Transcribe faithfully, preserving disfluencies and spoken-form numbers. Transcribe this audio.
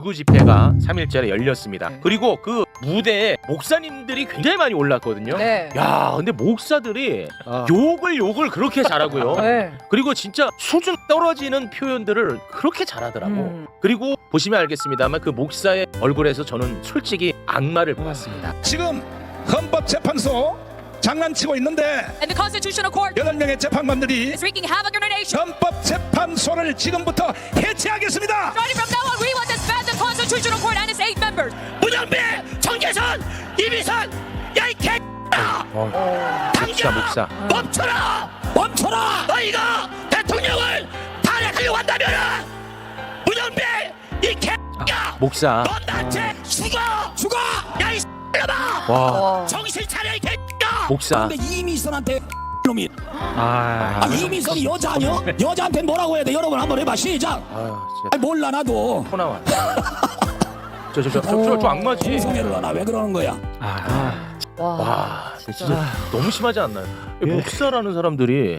구 집회가 삼 일째에 열렸습니다. 네. 그리고 그 무대에 목사님들이 굉장히 많이 올랐거든요. 네. 야, 근데 목사들이 아. 욕을 욕을 그렇게 잘하고요. 네. 그리고 진짜 수준 떨어지는 표현들을 그렇게 잘하더라고. 음. 그리고 보시면 알겠습니다만 그 목사의 얼굴에서 저는 솔직히 악마를 보았습니다. 지금 헌법재판소 장난치고 있는데 And the Constitutional Court 여덟 명의 재판관들이 is wreaking havoc on our nation. 헌법재판소를 지금부터 해체하겠습니다. Starting from now on, we will disband the Constitutional Court and its eight members. 문영배, 정계선, 이미선, 야이 개 어, 목사 목사. 멈춰라! 멈춰라! 너희가 대통령을 탄핵하려고 한다면은 문영배, 이 개 목사. 넌 나한테 죽어! 죽어! 야이 놈아! 와, 와. 정신 차려 이 개 목사. 근데 이미선한테 놈이 아, 아, 이미선이 여자 아니요? 여자한테 뭐라고 해야 돼? 여러분 한번 해봐 시작. 아, 진짜 아 몰라 나도 토 나와. 저 저 저 저 저 악마지. 성애를 하나 왜 그러는 거야? 아, 와. 와, 진짜 너무 심하지 않나요? 목사라는 사람들이